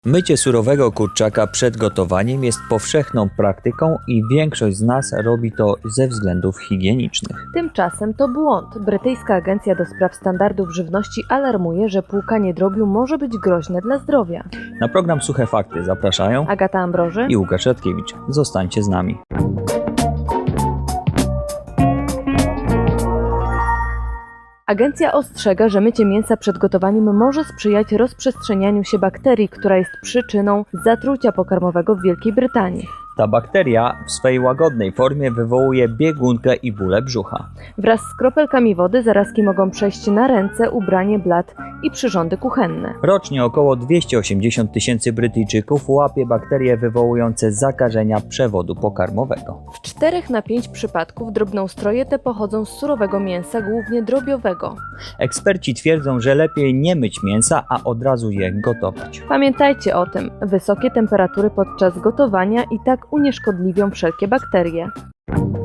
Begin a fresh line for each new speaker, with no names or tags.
Mycie surowego kurczaka przed gotowaniem jest powszechną praktyką i większość z nas robi to ze względów higienicznych.
Tymczasem to błąd. Brytyjska Agencja do Spraw Standardów Żywności alarmuje, że płukanie drobiu może być groźne dla zdrowia.
Na program Suche Fakty zapraszają
Agata Ambroży
i Łukasz Radkiewicz. Zostańcie z nami.
Agencja ostrzega, że mycie mięsa przed gotowaniem może sprzyjać rozprzestrzenianiu się bakterii, która jest przyczyną zatrucia pokarmowego w Wielkiej Brytanii.
Ta bakteria w swej łagodnej formie wywołuje biegunkę i bóle brzucha.
Wraz z kropelkami wody zarazki mogą przejść na ręce, ubranie, blat i przyrządy kuchenne.
Rocznie około 280 tysięcy Brytyjczyków łapie bakterie wywołujące zakażenia przewodu pokarmowego.
W 4 na 5 przypadków drobnoustroje te pochodzą z surowego mięsa, głównie drobiowego.
Eksperci twierdzą, że lepiej nie myć mięsa, a od razu je gotować.
Pamiętajcie o tym, wysokie temperatury podczas gotowania i tak unieszkodliwią wszelkie bakterie.